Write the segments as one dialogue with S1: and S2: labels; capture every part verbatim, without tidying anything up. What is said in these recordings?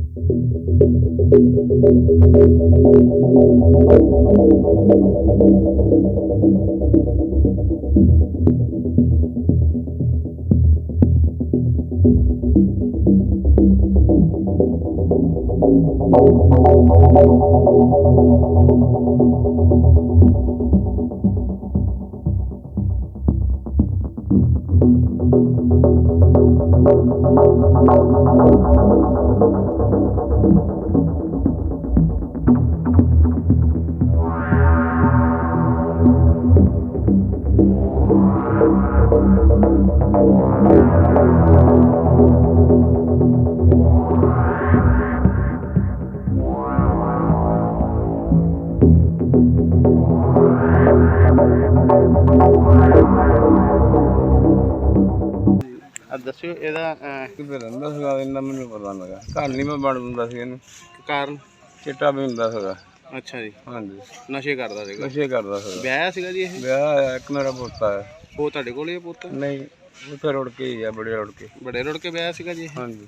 S1: ਦੱਸਿਓ ਇਹਦਾ
S2: ਕਿੱਥੇ ਰਹਿੰਦਾ ਸੀਗਾ ਇੰਨਾ ਮੈਨੂੰ ਪਤਾ ਨਹੀਂ ਲੱਗਾ। ਘਰ ਨਹੀਂ ਮੈਂ ਵੜ ਦਿੰਦਾ ਸੀ ਇਹਨੂੰ।
S1: ਕਾਰਨ?
S2: ਚਿੱਟਾ ਪੀਂਦਾ ਸੀਗਾ।
S1: ਅੱਛਾ ਜੀ।
S2: ਹਾਂਜੀ,
S1: ਨਸ਼ੇ ਕਰਦਾ ਸੀਗਾ।
S2: ਨਸ਼ੇ ਕਰਦਾ ਸੀਗਾ।
S1: ਵਿਆਹਿਆ ਸੀਗਾ ਜੀ ਇਹ?
S2: ਵਿਆਹ ਹੋਇਆ, ਇੱਕ ਮੇਰਾ ਪੋਤਾ ਹੈ।
S1: ਉਹ ਤੁਹਾਡੇ ਕੋਲ ਹੀ ਹੈ ਪੁੱਤ?
S2: ਨਹੀਂ, ਉੱਥੇ ਰੁੜ ਕੇ ਹੀ ਆ, ਬੜੇ ਰੁੜ ਕੇ।
S1: ਬੜੇ ਰੁੜ ਕੇ ਵਿਆਹਿਆ ਸੀਗਾ ਜੀ?
S2: ਹਾਂਜੀ।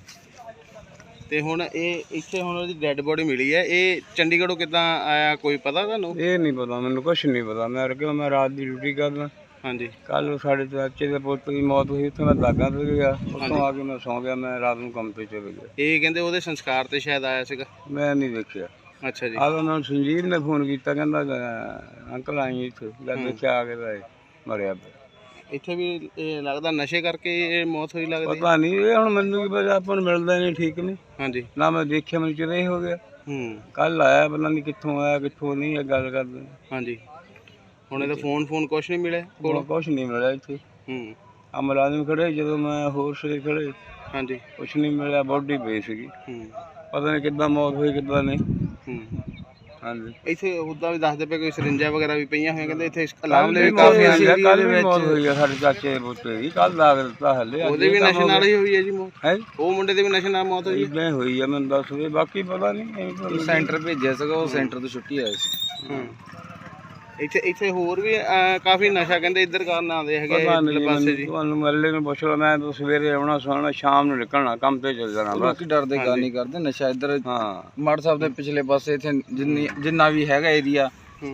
S1: ਤੇ ਹੁਣ ਇਹ ਇੱਥੇ ਹੁਣ ਉਹਦੀ ਡੈੱਡ ਬੋਡੀ ਮਿਲੀ ਹੈ, ਇਹ ਚੰਡੀਗੜ੍ਹੋਂ ਕਿੱਦਾਂ ਆਇਆ ਕੋਈ ਪਤਾ ਤੁਹਾਨੂੰ?
S2: ਇਹ ਨਹੀਂ ਪਤਾ ਮੈਨੂੰ, ਕੁਛ ਨਹੀਂ ਪਤਾ। ਮੈਂ ਕਿਉਂ ਮੈਂ ਰਾਤ ਦੀ ਡਿਊਟੀ ਕਰਦਾ।
S1: ਹਾਂਜੀ।
S2: ਕੱਲ ਸਾਡੇ ਚਾਚੇ ਦੇ ਪੁੱਤ ਦੀ ਮੌਤ ਹੋਈ, ਉੱਥੇ ਮੈਂ ਦਾਗਾ ਤੇ ਗਿਆ। ਉੱਥੋਂ ਆ ਕੇ ਮੈਂ ਸੌਂ ਗਿਆ। ਮੈਂ ਰਾਤ ਨੂੰ ਕੰਮ ਤੇ ਚਲੇ ਗਿਆ।
S1: ਇਹ ਕਹਿੰਦੇ ਉਹਦੇ ਸੰਸਕਾਰ ਤੇ ਸ਼ਾਇਦ ਆਇਆ ਸੀਗਾ।
S2: ਮੈਂ ਨਹੀਂ ਦੇਖਿਆ।
S1: ਅੱਛਾ ਜੀ।
S2: ਆਹ ਉਹਨਾਂ ਨੂੰ ਸੰਜੀਵ ਨੇ ਫੋਨ ਕੀਤਾ, ਕਹਿੰਦਾ ਅੰਕਲ ਆਈ ਇੱਥੇ। ਜਦ ਦੇਖਿਆ ਆ ਕੇ ਤਾਂ ਮਰਿਆ ਪਿਆ।
S1: ਇੱਥੇ ਵੀ ਇਹ ਲੱਗਦਾ ਨਸ਼ੇ ਕਰਕੇ ਇਹ ਮੌਤ ਹੋਈ ਲੱਗਦੀ?
S2: ਪਤਾ ਨਹੀਂ, ਇਹ ਹੁਣ ਮੈਨੂੰ ਕੀ ਪਤਾ, ਆਪਾਂ ਨੂੰ ਮਿਲਦਾ ਨਹੀਂ। ਠੀਕ ਨਹੀਂ।
S1: ਹਾਂਜੀ।
S2: ਨਾ ਮੈਂ ਦੇਖਿਆ, ਮੈਨੂੰ ਚਿਰ ਹੀ ਹੋ ਗਿਆ।
S1: ਹੂੰ।
S2: ਕੱਲ ਆਇਆ, ਪਤਾ ਨਹੀਂ ਕਿੱਥੋਂ ਆਇਆ ਕਿੱਥੋਂ ਨਹੀਂ, ਇਹ ਗੱਲ ਕਰਦੇ।
S1: ਹਾਂਜੀ। ਹੁਣ ਇਹਦਾ ਫੋਨ ਫੋਨ ਕੁਛ ਨਹੀਂ ਮਿਲਿਆ ਕੋਲ?
S2: ਕੁਛ ਨਹੀਂ ਮਿਲਿਆ ਇੱਥੇ।
S1: ਹੂੰ।
S2: ਆ ਮੁਲਾਜ਼ਮ ਖੜੇ, ਜਦੋਂ ਮੈਂ ਹੋਰ ਸੇ ਖੜੇ।
S1: ਹਾਂਜੀ। ਕੁਛ
S2: ਨਹੀਂ ਮਿਲਿਆ, ਬੋਡੀ ਪਈ ਸੀਗੀ।
S1: ਹੂੰ।
S2: ਪਤਾ ਨਹੀਂ ਕਿੱਦਾਂ ਮੌਤ ਹੋਈ ਕਿੱਦਾਂ ਨਹੀਂ।
S1: ਹੂੰ।
S2: ਹਾਂਜੀ।
S1: ਇੱਥੇ ਉੱਦਾਂ ਵੀ ਦੱਸਦੇ ਪਏ ਕੋਈ ਸਰਿੰਜਾਂ ਵਗੈਰਾ ਵੀ ਪਈਆਂ ਹੋਈਆਂ, ਕਹਿੰਦੇ ਇੱਥੇ ਅਲਾਮ ਲਈ ਕਾਫੀ
S2: ਕਾਫੀ
S1: ਆਉਂਦੇ।
S2: ਕੱਲ ਵੀ ਮੌਤ ਹੋਈ ਆ ਸਾਡੇ ਚਾਚੇ ਦੇ ਪੁੱਤੇ ਦੀ। ਕੱਲ ਦਾਗ ਦਿੱਤਾ ਹਲੇ।
S1: ਉਹਦੇ ਵੀ ਨਸ਼ੇ ਨਾਲ ਹੀ ਹੋਈ ਹੈ ਜੀ ਮੌਤ?
S2: ਹੈ,
S1: ਉਹ ਮੁੰਡੇ ਦੇ ਵੀ ਨਸ਼ੇ ਨਾਲ ਮੌਤ ਹੋਈ?
S2: ਇਦਾਂ ਹੋਈ ਆ, ਮੈਨੂੰ ਦੱਸ ਦੇ, ਬਾਕੀ ਪਤਾ ਨਹੀਂ।
S3: ਸੈਂਟਰ ਭੇਜਿਆ ਸੀਗਾ, ਉਹ ਸੈਂਟਰ ਤੋਂ ਛੁੱਟੀ ਆਇਆ ਸੀ।
S1: ਹੂੰ। ਇੱਥੇ ਇੱਥੇ ਹੋਰ ਵੀ ਕਾਫੀ ਨਸ਼ਾ ਕਹਿੰਦੇ ਇੱਧਰ ਕਰਨ ਆਉਂਦੇ ਹੈਗੇ ਪਾਸੇ ਜੀ।
S2: ਤੁਹਾਨੂੰ ਮੱਲੇ ਨੂੰ ਪੁੱਛ ਲਓ, ਮੈਂ ਤਾਂ ਸਵੇਰੇ ਆਉਣਾ ਸੋਣਾ, ਸ਼ਾਮ ਨੂੰ ਨਿਕਲਣਾ, ਕੰਮ ਤੇ ਚੱਲ ਜਾਣਾ।
S3: ਬਾਕੀ ਡਰਦੇ ਗੱਲ ਨਹੀਂ ਕਰਦੇ। ਨਸ਼ਾ ਇੱਧਰ
S2: ਹਾਂ
S3: ਮਾੜ ਸਾਹਿਬ ਦੇ ਪਿਛਲੇ ਪਾਸੇ ਇੱਥੇ ਜਿੰਨੀ ਜਿੰਨਾ ਵੀ ਹੈਗਾ ਏਰੀਆ,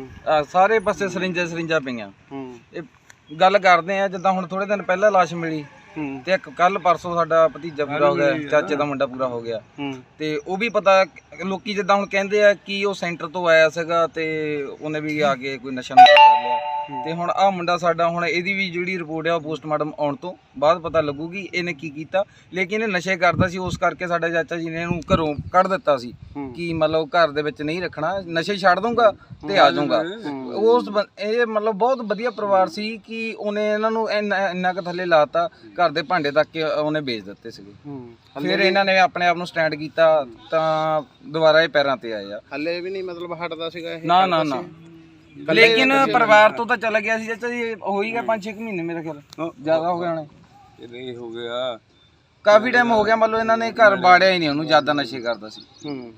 S3: ਸਾਰੇ ਪਾਸੇ ਸਰਿੰਜਾਂ ਸਰਿੰਜਾਂ ਪਈਆਂ। ਇਹ ਗੱਲ ਕਰਦੇ ਆ ਜਿੱਦਾਂ ਹੁਣ ਥੋੜੇ ਦਿਨ ਪਹਿਲਾਂ ਲਾਸ਼ ਮਿਲੀ, ਤੇ ਇੱਕ ਕੱਲ ਪਰਸੋਂ ਸਾਡਾ ਭਤੀਜਾ ਪੂਰਾ ਹੋ ਗਿਆ, ਚਾਚੇ ਦਾ ਮੁੰਡਾ ਪੂਰਾ ਹੋ ਗਿਆ। ਤੇ ਉਹ ਵੀ ਪਤਾ, ਲੋਕੀ ਜਿੱਦਾਂ ਹੁਣ ਕਹਿੰਦੇ ਆ ਕਿ ਉਹ ਸੈਂਟਰ ਤੋਂ ਆਇਆ ਸੀਗਾ ਤੇ ਉਹਨੇ ਵੀ ਆ ਕੇ ਕੋਈ ਨਸ਼ਾ ਨੁਸ਼ਾ ਕਰ ਲਿਆ। ਤੇ ਹੁਣ ਆਹ ਮੁੰਡਾ ਸਾਡਾ, ਹੁਣ ਇਹਦੀ ਵੀ ਜਿਹੜੀ ਰਿਪੋਰਟ ਆ ਉਹ ਪੋਸਟਮਾਰਟਮ ਆਉਣ ਤੋਂ ਬਾਅਦ ਪਤਾ ਲੱਗੂਗੀ ਇਹਨੇ ਕੀ ਕੀਤਾ। ਲੇਕਿਨ ਇਹ ਨਸ਼ੇ ਕਰਦਾ ਸੀ, ਉਸ ਕਰਕੇ ਸਾਡਾ ਚਾਚਾ ਜੀ ਨੇ ਇਹਨੂੰ ਘਰੋਂ ਕੱਢ ਦਿੱਤਾ ਸੀ ਕਿ ਮਤਲਬ ਘਰ ਦੇ ਵਿੱਚ ਨਹੀਂ ਰੱਖਣਾ, ਨਸ਼ੇ ਛੱਡ ਦੂੰਗਾ ਤੇ ਆ ਜਾਊਗਾ। ਉਸ ਇਹ ਮਤਲਬ ਬਹੁਤ ਵਧੀਆ ਪਰਿਵਾਰ ਸੀ ਕਿ ਉਹਨੇ ਇਹਨਾਂ ਨੂੰ ਇੰਨਾ ਇੰਨਾ ਕੁ ਥੱਲੇ ਲਾਤਾ, ਘਰ ਦੇ ਭਾਂਡੇ ਤੱਕ ਉਹਨੇ ਵੇਚ ਦਿੱਤੇ ਸੀਗੇ। ਫਿਰ ਇਹਨਾਂ ਨੇ ਆਪਣੇ ਆਪ ਨੂੰ ਸਟੈਂਡ ਕੀਤਾ ਤਾਂ ਦੁਬਾਰਾ ਇਹ ਪੈਰਾਂ ਤੇ ਆਏ ਆ।
S1: ਹੱਲੇ ਵੀ ਨਹੀਂ ਮਤਲਬ ਹਟਦਾ ਸੀਗਾ ਇਹ?
S3: ਨਾ ਨਾ ਨਾ। ਲੇਕਿਨ ਪਰਿਵਾਰ ਤੋਂ ਤਾਂ ਚਲਾ ਗਿਆ ਸੀ ਚਾਚਾ ਜੀ, ਹੋ ਹੀ ਗਿਆ ਪੰਜ ਛੇ ਮਹੀਨੇ ਮੇਰੇ ਖਿਆਲ, ਜ਼ਿਆਦਾ ਹੋ ਗਿਆ ਹੋਣੇ।
S2: ਇਹ ਹੋ ਗਿਆ
S3: ਕਾਫੀ ਟਾਈਮ ਹੋ ਗਿਆ, ਮੰਨ ਲਓ ਇਹਨਾਂ ਨੇ ਘਰ ਬਾੜਿਆ ਹੀ ਨਹੀਂ ਉਹਨੂੰ, ਜ਼ਿਆਦਾ ਨਸ਼ੇ ਕਰਦਾ ਸੀ।
S1: ਹੂੰ।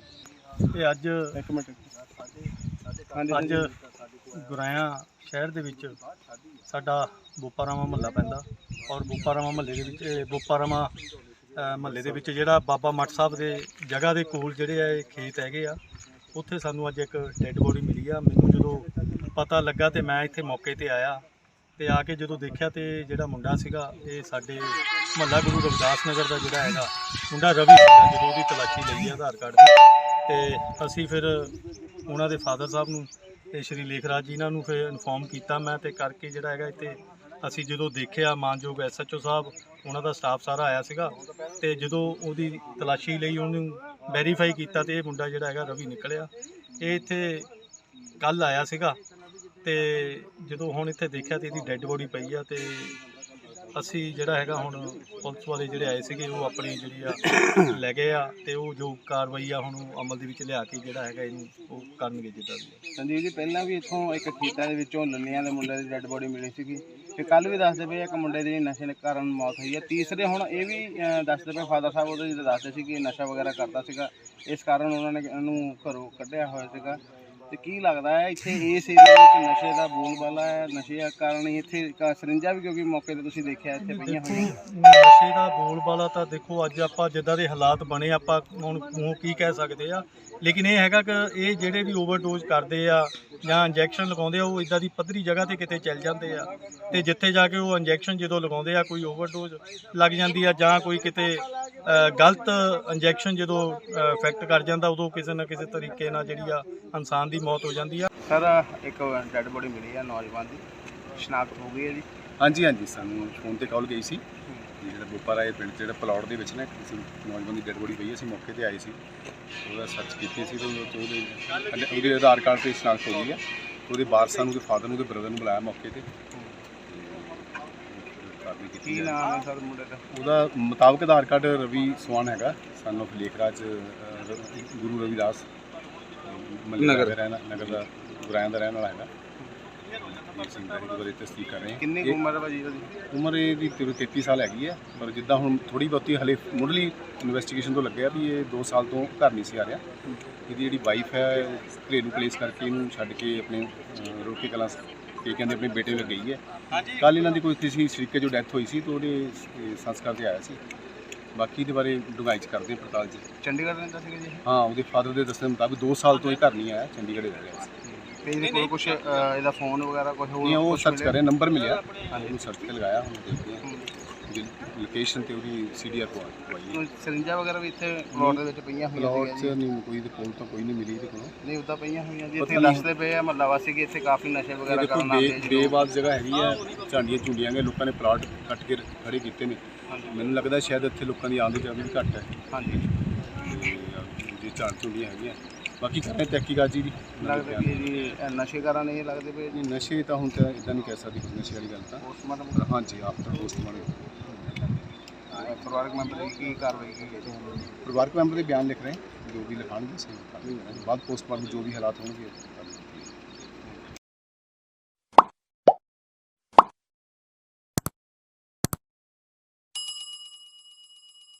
S4: ਇਹ ਅੱਜ
S1: ਇੱਕ ਮਿੰਟ।
S4: ਅੱਜ ਗੁਰਾਇਆ ਸ਼ਹਿਰ ਦੇ ਵਿੱਚ ਸਾਡਾ ਬੋਪਾਰਾਮਾ ਮਹੱਲਾ ਪੈਂਦਾ, ਔਰ ਬੋਪਾਰਾਮਾ ਮਹੱਲੇ ਦੇ ਵਿੱਚ ਬੋਪਾਰਾਮਾ ਮਹੱਲੇ ਦੇ ਵਿੱਚ ਜਿਹੜਾ ਬਾਬਾ ਮੱਠ ਸਾਹਿਬ ਦੇ ਜਗ੍ਹਾ ਦੇ ਕੋਲ ਜਿਹੜੇ ਆ ਇਹ ਖੇਤ ਹੈਗੇ ਆ, ਉੱਥੇ ਸਾਨੂੰ ਅੱਜ ਇੱਕ ਡੈੱਡ ਬੋਡੀ ਮਿਲੀ ਆ। ਮੈਨੂੰ ਜਦੋਂ ਪਤਾ ਲੱਗਾ ਤੇ ਮੈਂ ਇੱਥੇ ਮੌਕੇ ਤੇ ਆਇਆ, ਤੇ ਆ ਕੇ ਜਦੋਂ ਦੇਖਿਆ ਤੇ ਜਿਹੜਾ ਮੁੰਡਾ ਸੀਗਾ ਇਹ ਸਾਡੇ ਮਹੱਲਾ ਗੁਰੂ ਰਵਿਦਾਸ ਨਗਰ ਦਾ ਜਿਹੜਾ ਹੈਗਾ ਮੁੰਡਾ ਰਵੀ ਸੀਗਾ। ਜਦੋਂ ਉਹਦੀ ਤਲਾਸ਼ੀ ਲਈ ਆਧਾਰ ਕਾਰਡ ਦੀ, ਤੇ ਅਸੀਂ ਫਿਰ ਉਹਨਾਂ ਦੇ ਫਾਦਰ ਸਾਹਿਬ ਨੂੰ ਤੇ ਸ਼੍ਰੀ ਲੇਖਰਾਜ ਜੀ ਇਹਨਾਂ ਨੂੰ ਫਿਰ ਇਨਫੋਰਮ ਕੀਤਾ ਮੈਂ, ਤੇ ਕਰਕੇ ਜਿਹੜਾ ਹੈਗਾ ਇੱਥੇ ਅਸੀਂ ਜਦੋਂ ਦੇਖਿਆ, ਮਾਨਯੋਗ ਐਸ ਐਚ ਓ ਸਾਹਿਬ ਉਹਨਾਂ ਦਾ ਸਟਾਫ ਸਾਰਾ ਆਇਆ ਸੀਗਾ, ਤੇ ਜਦੋਂ ਉਹਦੀ ਤਲਾਸ਼ੀ ਲਈ ਉਹਨੂੰ ਵੈਰੀਫਾਈ ਕੀਤਾ ਤੇ ਇਹ ਮੁੰਡਾ ਜਿਹੜਾ ਹੈਗਾ ਰਵੀ ਨਿਕਲਿਆ। ਇਹ ਇੱਥੇ ਕੱਲ੍ਹ ਆਇਆ ਸੀਗਾ, ਤੇ ਜਦੋਂ ਹੁਣ ਇੱਥੇ ਦੇਖਿਆ ਤੇ ਇਹਦੀ ਡੈੱਡ ਬੋਡੀ ਪਈ ਆ। ਤੇ ਅਸੀਂ ਜਿਹੜਾ ਹੈਗਾ ਹੁਣ ਪੁਲਿਸ ਵਾਲੇ ਜਿਹੜੇ ਆਏ ਸੀਗੇ ਉਹ ਆਪਣੀ ਜਿਹੜੀ ਆ ਲੈ ਗਏ ਆ, ਤੇ ਉਹ ਜੋ ਕਾਰਵਾਈ ਆ ਹੁਣ ਅਮਲ ਦੇ ਵਿੱਚ ਲਿਆ ਕੇ ਜਿਹੜਾ ਹੈਗਾ ਇਹਨੂੰ ਉਹ ਕਰਨਗੇ ਜਿੱਦਾਂ ਵੀ।
S1: ਸੰਜੀਵ ਜੀ, ਪਹਿਲਾਂ ਵੀ ਇੱਥੋਂ ਇੱਕ ਖੇਤਾਂ ਦੇ ਵਿੱਚੋਂ ਲੰਨਿਆਂ ਦੇ ਮੁੰਡੇ ਦੀ ਡੈੱਡ ਬੋਡੀ ਮਿਲੀ ਸੀਗੀ, ਤੇ ਕੱਲ ਵੀ ਦੱਸਦੇ ਪਏ ਇੱਕ ਮੁੰਡੇ ਦੀ ਨਸ਼ੇ ਕਾਰਨ ਮੌਤ ਹੋਈ ਹੈ। ਤੀਸਰੇ ਹੁਣ ਇਹ ਵੀ ਦੱਸਦੇ ਪਏ ਫਾਦਰ ਸਾਹਿਬ ਉਹਦੇ ਦੱਸਦੇ ਸੀ ਕਿ ਨਸ਼ਾ ਵਗੈਰਾ ਕਰਦਾ ਸੀਗਾ, ਇਸ ਕਾਰਨ ਉਹਨਾਂ ਨੇ ਇਹਨੂੰ ਘਰੋਂ ਕੱਢਿਆ ਹੋਇਆ ਸੀਗਾ। ਤੇ ਕੀ ਲੱਗਦਾ ਹੈ ਇੱਥੇ ਇਸ ਏਰੀਆ ਵਿੱਚ ਨਸ਼ੇ ਦਾ ਬੋਲਬਾਲਾ ਹੈ, ਨਸ਼ੇ ਕਾਰਨ ਹੀ ਇੱਥੇ ਕ- ਸਰਿੰਜਾਂ ਵੀ ਕਿਉਂਕਿ ਮੌਕੇ ਤੇ ਤੁਸੀਂ ਦੇਖਿਆ ਇੱਥੇ ਪਈਆਂ
S4: ਦੇਖੋ
S1: ਹੋਈਆਂ।
S4: ਨਸ਼ੇ ਦਾ ਬੋਲਬਾਲਾ ਤਾਂ ਦੇਖੋ ਅੱਜ ਆਪਾਂ ਜਿੱਦਾਂ ਦੇ ਹਾਲਾਤ ਬਣੇ ਆਪਾਂ ਹੁਣ ਉਹ ਕੀ ਕਹਿ ਸਕਦੇ ਆ, ਲੇਕਿਨ ਇਹ ਹੈਗਾ ਕਿ ਇਹ ਜਿਹੜੇ ਵੀ ਓਵਰਡੋਜ਼ ਕਰਦੇ ਆ ਜਾਂ ਇੰਜੈਕਸ਼ਨ ਲਗਾਉਂਦੇ ਆ ਉਹ ਇਦਾਂ ਦੀ ਪੱਧਰੀ ਜਗ੍ਹਾ ਤੇ ਕਿਤੇ ਚੱਲ ਜਾਂਦੇ ਆ ਤੇ ਜਿੱਥੇ ਜਾ ਕੇ ਉਹ ਇੰਜੈਕਸ਼ਨ ਜਦੋਂ ਲਗਾਉਂਦੇ ਆ ਕੋਈ ਓਵਰਡੋਜ਼ ਲੱਗ ਜਾਂਦੀ ਆ ਜਾਂ ਕੋਈ ਕਿਤੇ ਅ, ਗਲਤ ਇੰਜੈਕਸ਼ਨ ਜਦੋਂ ਇਫੈਕਟ ਕਰ ਜਾਂਦਾ ਉਦੋਂ ਕਿਸੇ ਨਾ ਕਿਸੇ ਤਰੀਕੇ ਨਾਲ ਜਿਹੜੀ ਆ ਇਨਸਾਨ ਦੀ ਮੌਤ ਹੋ ਜਾਂਦੀ ਆ।
S1: ਸਰ ਇੱਕ ਡੈੱਡ ਬੋਡੀ ਮਿਲੀ ਹੈ ਨੌਜਵਾਨ ਦੀ, ਸ਼ਨਾਖਤ ਹੋ ਗਈ ਹੈ ਜੀ?
S5: ਹਾਂਜੀ ਹਾਂਜੀ ਸਾਨੂੰ ਫੋਨ ਤੇ ਕਾਲ ਗਈ ਸੀ ਕਿ ਜਿਹੜਾ ਬੋਪਾਰਾਏ ਪਿੰਡ 'ਚ ਜਿਹੜਾ ਪਲੌਟ ਦੇ ਵਿੱਚ ਨਾ ਕਿਸੇ ਨੌਜਵਾਨ ਦੀ ਡੈਡ ਬੋਡੀ ਪਈ, ਅਸੀਂ ਮੌਕੇ ਤੇ ਆਏ ਸੀ, ਉਹਦਾ ਸਰਚ ਕੀਤੀ ਸੀ ਤੇ ਉਹਦੇ ਉਹਦੇ ਆਧਾਰ ਕਾਰਡ ਤੇ ਸ਼ਨਾਖਤ ਹੋ ਗਈ ਆ। ਉਹਦੇ ਵਾਰਸਾਂ ਨੂੰ, ਉਹਦੇ ਫਾਦਰ ਨੂੰ, ਉਹਦੇ ਬ੍ਰਦਰ ਨੂੰ ਬੁਲਾਇਆ ਮੌਕੇ ਤੇ।
S1: ਕੀ ਨਾਮ ਹੈ ਸਰ ਮੁੰਡੇ ਦਾ?
S5: ਉਹਦਾ ਮੁਤਾਬਕ ਆਧਾਰ ਕਾਰਡ ਰਵੀ ਸਵਾਨ ਹੈਗਾ, ਸਨ ਆਫ ਲੇਖਰਾਜ ਅ, ਗੁਰੂ ਰਵਿਦਾਸ ਨਗਰ ਰਹਿਣਾ ਨਗਰ ਦਾ ਗੁਰਾਇਆਂ ਦਾ ਰਹਿਣ ਵਾਲਾ ਹੈਗਾ। ਸਿੰਘ ਦਾ ਇਹਦੇ ਬਾਰੇ ਤਸਦੀਕ ਕਰ ਰਹੇ ਹਾਂ।
S1: ਕਿੰਨੀ ਕੁ ਉਮਰ ਹੈ ਭਾਜੀ ਉਹਦੀ?
S5: ਉਮਰ ਇਹਦੀ ਤੇਤੀ ਸਾਲ ਹੈਗੀ ਹੈ, ਪਰ ਜਿੱਦਾਂ ਹੁਣ ਥੋੜੀ ਬਹੁਤੀ ਹਲੇ ਮੁੱਢਲੀ ਇਨਵੈਸਟੀਗੇਸ਼ਨ ਤੋਂ ਲੱਗਿਆ ਵੀ ਇਹ ਦੋ ਸਾਲ ਤੋਂ ਘਰ ਨਹੀਂ ਸੀ ਆ ਰਿਹਾ। ਇਹਦੀ ਜਿਹੜੀ ਵਾਈਫ ਹੈ ਉਹ ਘਰੇਲੂ ਪਲੇਸ ਕਰਕੇ ਇਹਨੂੰ ਛੱਡ ਕੇ ਆਪਣੇ ਅ, ਰੋਕੇ ਕਲਾਂ ਕੇ ਕਹਿੰਦੇ ਆਪਣੇ ਬੇਟੇ ਨਾਲ ਗਈ ਹੈ। ਕੱਲ੍ਹ ਇਹਨਾਂ ਦੀ ਕੋਈ ਕਿਸੇ ਸ਼ਰੀਕੇ ਜੋ ਡੈਥ ਹੋਈ ਸੀ ਤਾਂ ਉਹਦੇ ਅ, ਸੰਸਕਾਰ ਤੇ ਆਇਆ ਸੀ। ਬਾਕੀ ਦੇ ਬਾਰੇ ਡੂੰਘਾਈ 'ਚ ਕਰਦੇ ਹਾਂ ਪੜਤਾਲ 'ਚ।
S1: ਚੰਡੀਗੜ੍ਹ ਰਹਿੰਦਾ ਸੀਗਾ ਜੀ?
S5: ਹਾਂ, ਉਹਦੇ ਫਾਦਰ ਦੇ ਦੱਸਣ ਮੁਤਾਬਕ ਦੋ ਸਾਲ ਤੋਂ ਇਹ ਘਰ ਨਹੀਂ ਆਇਆ, ਚੰਡੀਗੜ੍ਹ ਹੀ ਰਹਿ ਰਿਹਾ ਸੀ।
S1: ਤੇ ਇਹਦੇ ਕੋਲ ਕੁਝ ਇਹਦਾ ਫੋਨ ਵਗੈਰਾ ਕੁਝ
S5: ਨਹੀਂ, ਉਹ
S1: ਹੋਰ
S5: ਸਰਚ ਕਰ ਰਹੇ, ਨੰਬਰ ਮਿਲਿਆ, ਉਹਨੂੰ ਸਰਚ ਤੇ ਲਗਾਇਆ, ਹੁਣ ਦੇਖਦੇ ਹਾਂ ਉਹਦੀ ਲੋਕੇਸ਼ਨ ਤੇ ਉਹਦੀ ਸੀ ਡੀ ਆਰ ਪਵਾਈ ਹੈ।
S1: ਸਰਿੰਜਾਂ ਵਗੈਰਾ ਵੀ ਇੱਥੇ ਪਲਾਟ ਦੇ ਵਿੱਚ ਪਈਆਂ ਹੋਈਆਂ
S5: ਪਲਾਟ 'ਚ
S1: ਸੀਗੀਆਂ ਜੀ?
S5: ਨਹੀਂ, ਕੋਈ ਦੇ ਕੋਲ ਤਾਂ ਕੋਈ ਨਹੀਂ ਮਿਲੀ ਇਹਦੇ ਕੋਲੋਂ।
S1: ਨਹੀਂ ਉੱਦਾਂ ਪਈਆਂ ਹੋਈਆਂ ਜੀ,
S5: ਪਤਾ
S1: ਇੱਥੇ
S5: ਨਹੀਂ।
S1: ਦੱਸਦੇ ਪਏ ਆ ਮਹੱਲਾ ਵਾਸੀ ਕਿ ਇੱਥੇ ਕਾਫੀ ਨਸ਼ੇ ਵਗੈਰਾ
S5: ਦੇਖੋ
S1: ਕਰਨ ਆਉਂਦੇ ਆ
S5: ਬੇ
S1: ਜੀ ਲੋਕ।
S5: ਬੇਵਾਦ ਜਗ੍ਹਾ ਹੈਗੀ ਆ, ਝਾਂਡੀਆਂ ਝੁੰਡੀਆਂ ਗਏ, ਲੋਕਾਂ ਨੇ ਪਲਾਟ ਕੱਟ ਕੇ ਖੜੇ ਕੀਤੇ ਨੇ। ਮੈਨੂੰ ਲੱਗਦਾ ਸ਼ਾਇਦ ਇੱਥੇ ਲੋਕਾਂ ਦੀ ਆਮਦ ਜਾਂਦੀ ਵੀ ਘੱਟ ਹੈ
S1: ਹਾਂਜੀ,
S5: ਤੇ ਜੇ ਝਾੜ ਝੁੰਡੀਆਂ ਹੈਗੀਆਂ। ਬਾਕੀ ਕਰਦੇ ਤਹਿਕੀਕਾਤ ਜੀ ਦੀ
S1: ਲੱਗਦਾ ਵੀ ਜੀ ਇਹ ਨਸ਼ੇ ਕਾਰਨ ਇਹ ਲੱਗਦੇ ਪਏ ਜੀ।
S5: ਨਹੀਂ, ਨਸ਼ੇ ਤਾਂ ਹੁਣ ਤਾਂ ਇਦਾਂ ਨਹੀਂ ਕਹਿ ਸਕਦੇ ਕੋਈ ਨਸ਼ੇ ਵਾਲੀ ਗੱਲ ਤਾਂ।
S1: ਪੋਸਟਮਾਰਟਮ
S5: ਹਾਂਜੀ, ਆਫਟਰ ਪੋਸਟਮਾਰਟਮ
S1: ਪਰਿਵਾਰਕ ਮੈਂਬਰ ਦੀ ਕੀ ਕਾਰਵਾਈ ਕੀ ਹੈ ਜੀ?
S5: ਪਰਿਵਾਰਕ ਮੈਂਬਰ ਦੇ ਬਿਆਨ ਲਿਖ ਰਹੇ ਜੋ ਵੀ ਲਿਖਾਣਗੇ ਸਹੀ ਬਾਅਦ ਪੋਸਟਮਾਰਟਮ ਜੋ ਵੀ ਹਾਲਾਤ ਹੋਣਗੇ